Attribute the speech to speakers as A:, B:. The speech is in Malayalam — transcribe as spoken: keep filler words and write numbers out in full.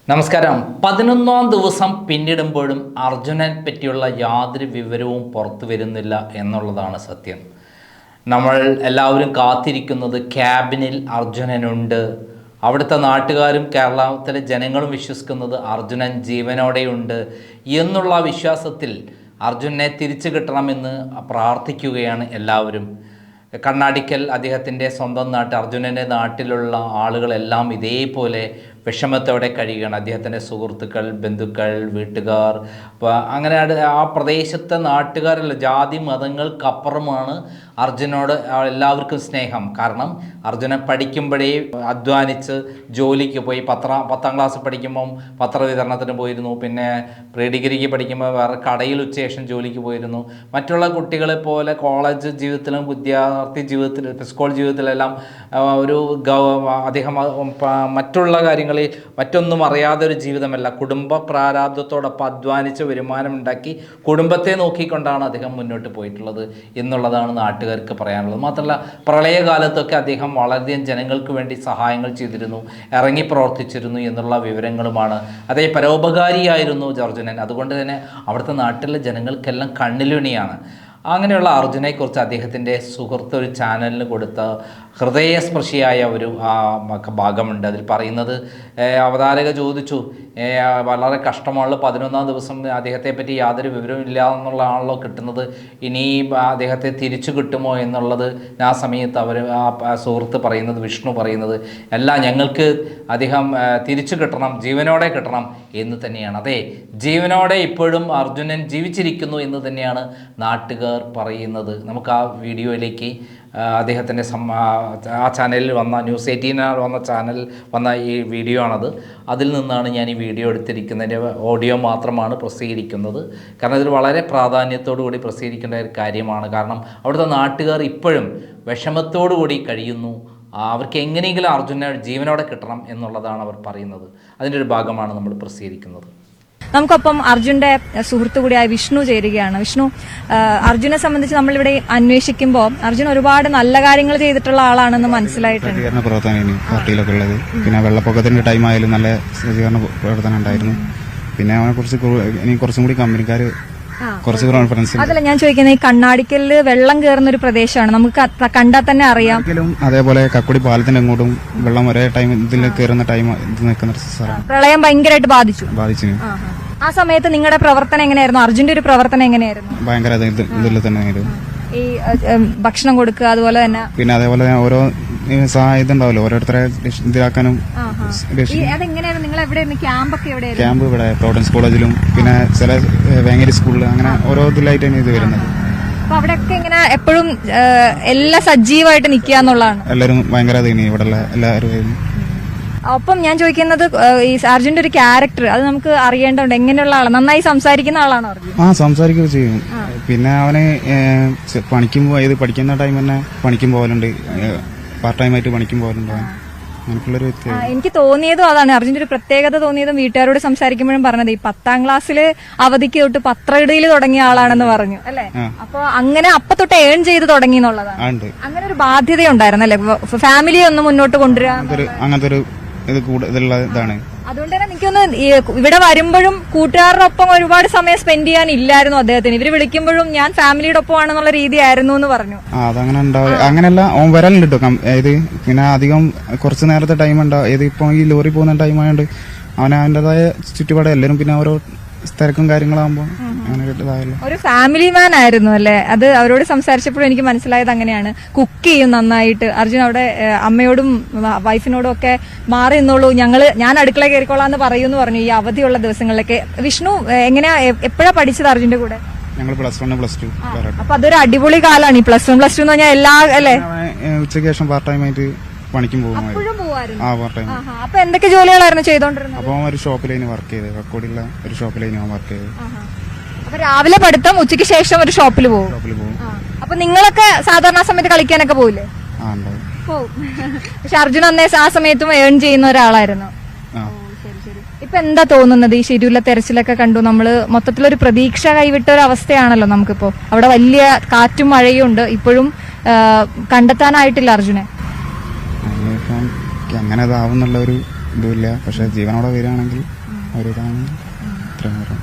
A: നമസ്കാരം. പതിനൊന്നാം ദിവസം പിന്നിടുമ്പോഴും അർജുനനെ പറ്റിയുള്ള യാതൊരു വിവരവും പുറത്തു വരുന്നില്ല എന്നുള്ളതാണ് സത്യം. നമ്മൾ എല്ലാവരും കാത്തിരിക്കുന്നത് ക്യാബിനിൽ അർജുനനുണ്ട്. അവിടുത്തെ നാട്ടുകാരും കേരളത്തിലെ ജനങ്ങളും വിശ്വസിക്കുന്നത് അർജുനൻ ജീവനോടെയുണ്ട് എന്നുള്ള വിശ്വാസത്തിൽ അർജുനനെ തിരിച്ചു കിട്ടണമെന്ന് പ്രാർത്ഥിക്കുകയാണ് എല്ലാവരും. കണ്ണാടിക്കൽ അദ്ദേഹത്തിൻ്റെ സ്വന്തം നാട്ട് അർജുനൻ്റെ നാട്ടിലുള്ള ആളുകളെല്ലാം ഇതേപോലെ വിഷമത്തോടെ കഴിയുകയാണ്. അദ്ദേഹത്തിൻ്റെ സുഹൃത്തുക്കൾ, ബന്ധുക്കൾ, വീട്ടുകാർ, അപ്പോൾ അങ്ങനെ ആ പ്രദേശത്തെ നാട്ടുകാരല്ല, ജാതി മതങ്ങൾക്കപ്പുറമാണ് അർജുനോട് എല്ലാവർക്കും സ്നേഹം. കാരണം അർജുനൻ പഠിക്കുമ്പോഴേ അധ്വാനിച്ച് ജോലിക്ക് പോയി. പത്ര പത്താം ക്ലാസ് പഠിക്കുമ്പം പത്രവിതരണത്തിന് പോയിരുന്നു. പിന്നെ പ്രീ ഡിഗ്രിക്ക് പഠിക്കുമ്പോൾ വേറെ കടയിൽ ഉച്ചശേഷം ജോലിക്ക് പോയിരുന്നു. മറ്റുള്ള കുട്ടികളെ പോലെ കോളേജ് ജീവിതത്തിലും വിദ്യാർത്ഥി ജീവിതത്തിൽ സ്കൂൾ ജീവിതത്തിലെല്ലാം ഒരു അദ്ദേഹം മറ്റുള്ള കാര്യങ്ങൾ മറ്റൊന്നും അറിയാതെ ഒരു ജീവിതമല്ല, കുടുംബ പ്രാരാബ്ധത്തോടൊപ്പം അധ്വാനിച്ച് വരുമാനമുണ്ടാക്കി കുടുംബത്തെ നോക്കിക്കൊണ്ടാണ് അദ്ദേഹം മുന്നോട്ട് പോയിട്ടുള്ളത് എന്നുള്ളതാണ് നാട്ടുകാർക്ക് പറയാനുള്ളത്. മാത്രമല്ല പ്രളയകാലത്തൊക്കെ അദ്ദേഹം വളരെയധികം ജനങ്ങൾക്ക് വേണ്ടി സഹായങ്ങൾ ചെയ്തിരുന്നു, ഇറങ്ങി പ്രവർത്തിച്ചിരുന്നു എന്നുള്ള വിവരങ്ങളുമാണ്. അതേ പരോപകാരിയായിരുന്നു അർജുനൻ. അതുകൊണ്ട് തന്നെ അവിടുത്തെ നാട്ടിലെ ജനങ്ങൾക്കെല്ലാം കണ്ണിലുണിയാണ്. അങ്ങനെയുള്ള അർജുനെക്കുറിച്ച് അദ്ദേഹത്തിൻ്റെ സുഹൃത്ത് ഒരു ചാനലിന് കൊടുത്ത ഹൃദയസ്പർശിയായ ഒരു ഭാഗമുണ്ട്. അതിൽ പറയുന്നത്, അവതാരക ചോദിച്ചു, വളരെ കഷ്ടമുള്ള പതിനൊന്നാം ദിവസം അദ്ദേഹത്തെ പറ്റി യാതൊരു വിവരവും ഇല്ല എന്നുള്ളതാണല്ലോ കിട്ടുന്നത്, ഇനി അദ്ദേഹത്തെ തിരിച്ചു കിട്ടുമോ എന്നുള്ളത്. ആ സമയത്ത് അവർ ആ സുഹൃത്ത് പറയുന്നത്, വിഷ്ണു പറയുന്നത്, അല്ല, ഞങ്ങൾക്ക് അദ്ദേഹം തിരിച്ചു കിട്ടണം, ജീവനോടെ കിട്ടണം എന്ന് തന്നെയാണ്. അതെ, ജീവനോടെ ഇപ്പോഴും അർജുനൻ ജീവിച്ചിരിക്കുന്നു എന്ന് തന്നെയാണ് നാട്ടുകാർ പറയുന്നത്. നമുക്ക് ആ വീഡിയോയിലേക്ക്, അദ്ദേഹത്തിൻ്റെ ആ ചാനലിൽ വന്ന ന്യൂസ് എയ്റ്റീനിൽ വന്ന ചാനൽ വന്ന ഈ വീഡിയോ ആണത്. അതിൽ നിന്നാണ് ഞാൻ ഈ വീഡിയോ എടുത്തിരിക്കുന്നതിൻ്റെ ഓഡിയോ മാത്രമാണ് പ്രസിദ്ധീകരിക്കുന്നത്. കാരണം ഇതിൽ വളരെ പ്രാധാന്യത്തോടു കൂടി പ്രസിദ്ധീകരിക്കേണ്ട ഒരു കാര്യമാണ്. കാരണം അവിടുത്തെ നാട്ടുകാർ ഇപ്പോഴും വിഷമത്തോടു കൂടി കഴിയുന്നു. അവർക്ക് എങ്ങനെയെങ്കിലും അർജുനെ ജീവനോടെ കിട്ടണം എന്നുള്ളതാണ് അവർ പറയുന്നത്. അതിൻ്റെ ഒരു ഭാഗമാണ് നമ്മൾ പ്രസിദ്ധീകരിക്കുന്നത്.
B: നമുക്കൊപ്പം അർജുന്റെ സുഹൃത്തു കൂടിയായ വിഷ്ണു ചേരുകയാണ്. വിഷ്ണു, അർജുനെ സംബന്ധിച്ച് നമ്മളിവിടെ അന്വേഷിക്കുമ്പോൾ അർജുൻ ഒരുപാട് നല്ല കാര്യങ്ങൾ ചെയ്തിട്ടുള്ള ആളാണെന്ന് മനസ്സിലായിട്ടുണ്ട്.
C: സഹകരണ പ്രവർത്തനം പാർട്ടിയിലൊക്കെ ഉള്ളത്, പിന്നെ വെള്ളപ്പൊക്കത്തിന്റെ ടൈം ആയാലും നല്ല സഹകരണ പ്രവർത്തനം ഉണ്ടായിരുന്നു. പിന്നെ അവനെ കുറിച്ച് ഇനി കുറച്ചും കൂടി കമ്പനിക്കാര് കുറച്ച് കോൺഫിഡൻസ്.
B: അതല്ല ഞാൻ ചോദിക്കുന്നത്, ഈ കണ്ണാടിക്കലില് വെള്ളം കയറുന്ന ഒരു പ്രദേശമാണ്, നമുക്ക് കണ്ടാൽ തന്നെ അറിയാം.
C: അതേപോലെ കക്കുടി പാലത്തിന്റെ അങ്ങോട്ടും വെള്ളം ഒരേ ടൈം ഇതിൽ കയറുന്ന ടൈം ഇത് നിൽക്കുന്ന സ്ഥലമാണ്.
B: പ്രളയം ഭയങ്കരമായിട്ട് ബാധിച്ചു
C: ബാധിച്ചു
B: ആ സമയത്ത് നിങ്ങളുടെ പ്രവർത്തനം എങ്ങനെയായിരുന്നു? അർജുന്റെ ഒരു പ്രവർത്തനം എങ്ങനെയായിരുന്നു?
C: ഭയങ്കര ഇതിൽ തന്നെ
B: ഈ ഭക്ഷണം കൊടുക്കുക, അതുപോലെ തന്നെ
C: പിന്നെ അതേപോലെ ഓരോ സഹായം ഉണ്ടാവല്ലോ ഓരോരുത്തരെ ഇതിലാക്കാനും. ക്യാമ്പ് ഇവിടെ പ്രോവിഡൻസ് കോളേജിലും പിന്നെ ചില വേങ്ങേരി സ്കൂളിൽ അങ്ങനെ ഓരോ ഇതിലായിട്ടാണ് ഇത് വരുന്നത്.
B: അപ്പൊ അവിടെയൊക്കെ ഇങ്ങനെ എപ്പോഴും എല്ലാം സജീവമായിട്ട് നിൽക്കുക എന്നുള്ളതാണ്.
C: എല്ലാവരും ഭയങ്കര ഇവിടെയുള്ള എല്ലാവരും.
B: ഒപ്പം ഞാൻ ചോദിക്കുന്നത്, ഈ അർജുന്റെ ഒരു ക്യാരക്ടർ അത് നമുക്ക് അറിയേണ്ടതുണ്ട്. എങ്ങനെയുള്ള ആളാണ്? നന്നായി സംസാരിക്കുന്ന ആളാണോ അർജുൻ?
C: ആ, സംസാരിക്കുകയും ചെയ്യും. പിന്നെ അവന് പണിക്കും പോയത് പഠിക്കുന്ന ടൈം തന്നെ പണിക്കും പോകലുണ്ട്, പാർട്ട് ടൈം ആയിട്ട് പണിക്കും പോകലുണ്ട്. അങ്ങനെയുള്ളൊരു വ്യക്തി.
B: എനിക്ക് തോന്നിയതും അതാണ്, അർജുന്റെ ഒരു പ്രത്യേകത തോന്നിയതും വീട്ടുകാരോട് സംസാരിക്കുമ്പോഴും പറഞ്ഞത്, ഈ പത്താം ക്ലാസ്സില് അവധിക്ക് തൊട്ട് പത്രയിടയിൽ തുടങ്ങിയ ആളാണെന്ന് പറഞ്ഞു അല്ലെ? അപ്പൊ അങ്ങനെ അപ്പൊ തൊട്ട് ഏൺ ചെയ്ത് തുടങ്ങി എന്നുള്ളതാണ്. അങ്ങനെ ഒരു ബാധ്യത ഉണ്ടായിരുന്നു അല്ലെ, ഫാമിലിയെ ഒന്ന് മുന്നോട്ട് കൊണ്ടുവരാൻ.
C: അങ്ങനത്തെ ഒരു ഇത് കൂടുതലുള്ള ഇതാണ്.
B: അതുകൊണ്ട് തന്നെ എനിക്കൊന്ന് ഇവിടെ വരുമ്പോഴും കൂട്ടുകാരുടെ ഒപ്പം ഒരുപാട് സമയം സ്പെൻഡ് ചെയ്യാൻ ഇല്ലായിരുന്നു അദ്ദേഹത്തിന്. ഇവര് വിളിക്കുമ്പോഴും ഞാൻ ഫാമിലിയുടെ ഒപ്പം ആണെന്നുള്ള രീതി ആയിരുന്നു എന്ന് പറഞ്ഞു.
C: അതങ്ങനെ ഉണ്ടാവും. അങ്ങനെയല്ല, ഓൻ വരലുണ്ട് കേട്ടോ. ഇത് പിന്നെ അധികം കുറച്ച് നേരത്തെ ടൈം ഉണ്ടാവും. ഇത് ഇപ്പൊ ഈ ലോറി പോകുന്ന ടൈം ആയതുകൊണ്ട് അവന് അവന്റേതായ ചുറ്റുപാട് എല്ലാവരും പിന്നെ ഓരോ തിരക്കും കാര്യങ്ങളാകുമ്പോ അങ്ങനെ കിട്ടതായല്ലോ.
B: ഒരു ഫാമിലി മാൻ ആയിരുന്നു അല്ലെ? അത് അവരോട് സംസാരിച്ചപ്പോഴും എനിക്ക് മനസ്സിലായത് അങ്ങനെയാണ്. കുക്ക് ചെയ്യും നന്നായിട്ട് അർജുൻ. അവിടെ അമ്മയോടും വൈഫിനോടും ഒക്കെ മാറി നിന്നോളൂ, ഞങ്ങള് ഞാൻ അടുക്കള കയറിക്കോളാന്ന് പറയൂന്ന് പറഞ്ഞു ഈ അവധിയുള്ള ദിവസങ്ങളിലൊക്കെ. വിഷ്ണു, എങ്ങനെയാ എപ്പോഴാ പഠിച്ചത് അർജുന്റെ കൂടെ?
C: ഞങ്ങൾ പ്ലസ് വൺ പ്ലസ് ടു.
B: അപ്പൊ അതൊരു അടിപൊളി കാലാണ് ഈ പ്ലസ് വൺ പ്ലസ് ടു എന്ന് പറഞ്ഞാൽ. എല്ലാ അല്ലെ,
C: ഉച്ചയ്ക്ക് ശേഷം പാർട്ട് ടൈം ആയിട്ട് പണിക്കും പോകുമായിരുന്നു.
B: അപ്പൊ എന്തൊക്കെ ജോലികളായിരുന്നു ചെയ്തോണ്ടിരുന്നത്?
C: അപ്പൊ ഒരു ഷോപ്പിലേന് വർക്ക് ചെയ്ത്, കക്കോടിയുള്ള ഒരു ഷോപ്പിലേന് വർക്ക് ചെയ്ത്.
B: അപ്പൊ രാവിലെ പഠിത്തം, ഉച്ചയ്ക്ക് ശേഷം ഒരു ഷോപ്പിൽ പോകും. അപ്പൊ നിങ്ങളൊക്കെ സാധാരണ സമയത്ത് കളിക്കാനൊക്കെ പോവില്ലേ? പോവും. പക്ഷെ അർജുൻ അന്നേ ആ സമയത്തും ഏൺ ചെയ്യുന്ന ഒരാളായിരുന്നു. ഇപ്പൊ എന്താ തോന്നുന്നത്? ഈ ശരിയുള്ള തെരച്ചിലൊക്കെ കണ്ടു നമ്മള്, മൊത്തത്തിലൊരു പ്രതീക്ഷ കൈവിട്ട ഒരു അവസ്ഥയാണല്ലോ നമുക്കിപ്പോ. അവിടെ വലിയ കാറ്റും മഴയും ഉണ്ട്, ഇപ്പോഴും കണ്ടെത്താനായിട്ടില്ല അർജുനെ.
C: അങ്ങനെ അതാവുന്നുള്ള ഒരു ഇതുമില്ല. പക്ഷെ ജീവനോടെ വരികയാണെങ്കിൽ ഒരിതാണ് ഇത്രയും